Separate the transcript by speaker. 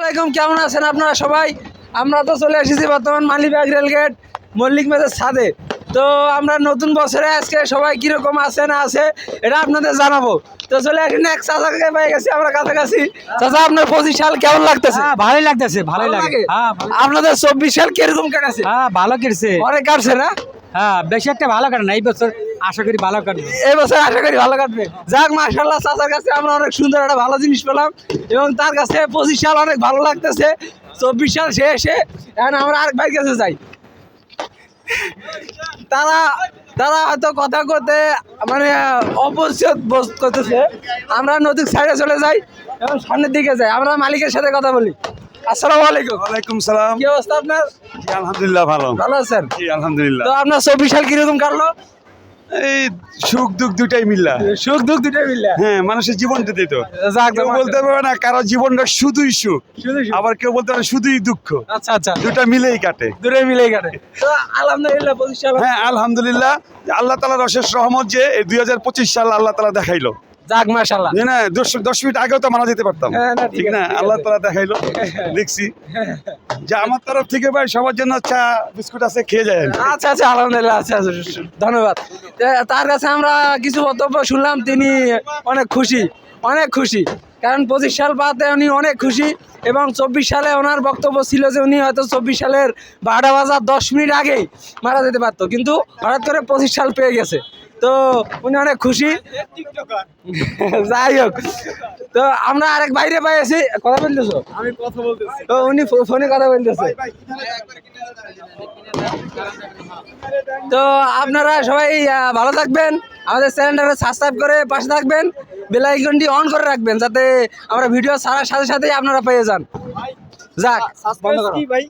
Speaker 1: আলাইকুম, কেমন আছেন আপনারা সবাই? আমরা তো চলে এসেছি বর্তমান মালিবাগ রেলগেট মল্লিক মেজের ছাদে। তো আমরা নতুন বছরে আজকে সবাই কিরকম আছে না আছে এটা আপনাদের জানাবো। তো চলে আসেন, এক চাচাকে পেয়ে গেছি আমরা কাছাকাছি। চাচা, আপনার 25 সাল কেমন লাগতেছে?
Speaker 2: ভালোই লাগতেছে, ভালোই লাগে।
Speaker 1: আপনাদের 24 সাল কিরকম কাটছে?
Speaker 2: ভালো কেটেছে।
Speaker 1: অনেক কাটছে না?
Speaker 2: বেশি একটা ভালো কাটে না, এই বছর আশা করি ভালো কাটবে।
Speaker 1: এই বছর আশা করি ভালো কাটবে। যাক, মাশাআল্লাহ, চাচার কাছে আমরা অনেক সুন্দর একটা ভালো জিনিস পেলাম এবং তার কাছে 25 সাল অনেক ভালো লাগতেছে। 24 সাল শেষে এখন আমরা আরেক ভাইয়ের কাছে যাই। তারা তারা হয়তো কথা করতে মানে অপরিচিত বোধ করতেছে। আমরা নদীর সাইডে চলে যাই এবং সামনের দিকে যাই, আমরা মালিকের সাথে কথা বলি। আসসালামু আলাইকুম।
Speaker 3: ওয়ালাইকুম সালাম।
Speaker 1: কি অবস্থা আপনার?
Speaker 3: জি আলহামদুলিল্লাহ ভালো।
Speaker 1: ভালো আছেন?
Speaker 3: জি আলহামদুলিল্লাহ।
Speaker 1: তো আপনার 24 সাল কিরকম কাটলো?
Speaker 3: এই সুখ দুঃখ দুটাই মিল্লা।
Speaker 1: সুখ দুঃখ দুটোই মিলে।
Speaker 3: হ্যাঁ, মানুষের জীবনটা দিত।
Speaker 1: যাক,
Speaker 3: কেউ বলতে পারবে না কারো জীবনটা শুধুই সুখ,
Speaker 1: শুধু সুখ।
Speaker 3: আবার কেউ বলতে পারে শুধুই দুঃখ।
Speaker 1: আচ্ছা আচ্ছা,
Speaker 3: দুটা মিলেই কাটে।
Speaker 1: দূরে মিলেই কাটে। তো আলহামদুলিল্লাহ 25 সাল।
Speaker 3: হ্যাঁ আলহামদুলিল্লাহ, আল্লাহ তাআলার অশেষ রহমত যে এই 2025 সাল আল্লাহ তাআলা দেখাইলো।
Speaker 1: যাক, মাশাআল্লাহ।
Speaker 3: যে না 10 মিনিট আগেও তো মারা যেতে পারতাম,
Speaker 1: হ্যাঁ, না, ঠিক
Speaker 3: ঠিক না?
Speaker 1: আছে, ঠিক
Speaker 3: আল্লাহ
Speaker 1: আছে।
Speaker 3: তাআলা দেখাইলো, দেখছি। যে আমার তরফ থেকে ভাই সবার জন্য চা বিস্কুট আছে, খেয়ে যায়।
Speaker 1: আচ্ছা আচ্ছা, আলহামদুলিল্লাহ। আচ্ছা আচ্ছা, ধন্যবাদ। তার কাছে আমরা কিছু বক্তব্য শুনলাম, তিনি অনেক খুশি, অনেক খুশি। কারণ 25 সাল পাতে উনি অনেক খুশি এবং 24 সালে ওনার বক্তব্য ছিল যে উনি হয়তো 24 সালের 12টা বাজার 10 মিনিট আগেই মারা যেতে পারতো, কিন্তু হঠাৎ করে 25 সাল পেয়ে গেছে। তো উনি অনেক খুশি। যাই হোক, তো আমরা আরেক বাইরে পাইছি। কথা বলতেছো?
Speaker 3: আমি কথা বলতেছি।
Speaker 1: তো উনি ফোনে কথা বলতেছে। তো আপনারা সবাই ভালো থাকবেন, আমাদের চ্যানেলটাকে সাবস্ক্রাইব করে পাশে থাকবেন, বেল আইকনটি অন করে রাখবেন যাতে আমরা ভিডিও ছাড়ার সাথে সাথেই আপনারা পেয়ে যান। যাক, বন্ধ করো।